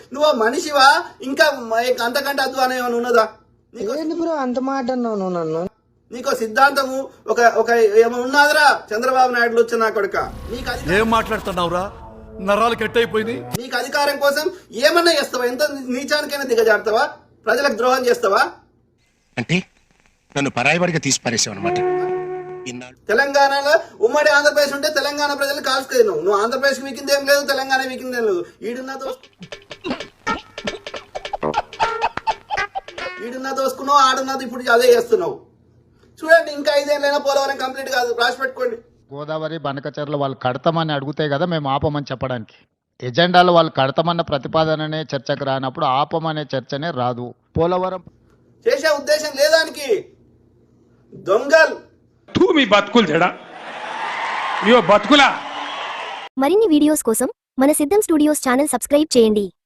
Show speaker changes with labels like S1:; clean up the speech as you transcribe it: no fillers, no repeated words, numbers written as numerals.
S1: నువ్వు మనిషివా ఇంకా అంతకంటే అధ్వానం ఏమైనా ఉన్నదా?
S2: బ్రో అంత మాట అన్నావు నువ్వు నన్ను.
S1: నీకు సిద్ధాంతము ఒక ఒక ఏమైనా ఉన్నదిరా? చంద్రబాబు నాయుడు వచ్చిన నా కొడుక, నీకు
S3: ఏం మాట్లాడుతున్నావురా? నరాలు కట్టయిపోయింది.
S1: నీకు అధికారం కోసం ఏమన్నా చేస్తావా? ఎంత నీచానికైనా దిగజారుతావా? ప్రజలకు ద్రోహం చేస్తావా?
S4: అంటే నన్ను పరాయివాడిగా తీసి పారేసావు అనమాట.
S1: తెలంగాణలో ఉమ్మడి ఆంధ్రప్రదేశ్ ఉంటే తెలంగాణ ప్రజలు కాల్చుకుని నువ్వు ఆంధ్రప్రదేశ్ వీకింది ఏం లేదు, తెలంగాణ వీకింది ఏం లేదు. ఈడున్నా దోసుకున్నావు, ఆడున్నది ఇప్పుడు అదే చేస్తున్నావు. చూడండి, ఇంకా 5 ఏళ్ళైనా పోలవరం కంప్లీట్ కాదు, రాసి పెట్టుకోండి.
S5: గోదావరి బనకచర్ల వాళ్ళు కడతామని అడిగితే కదా మేము ఆపమని చెప్పడానికి. ఎజెండాలో వాళ్ళు కడతామన్న ప్రతిపాదననే చర్చకు రానప్పుడు ఆపమనే చర్చనే రాదు. పోలవరం
S1: చేసే ఉద్దేశం లేదానికి దొంగల్
S6: మీ బతుకులు చెడా బతుకులా.
S7: మరిన్ని వీడియోస్ కోసం మన సిద్ధం స్టూడియోస్ ఛానల్ సబ్స్క్రైబ్ చేయండి.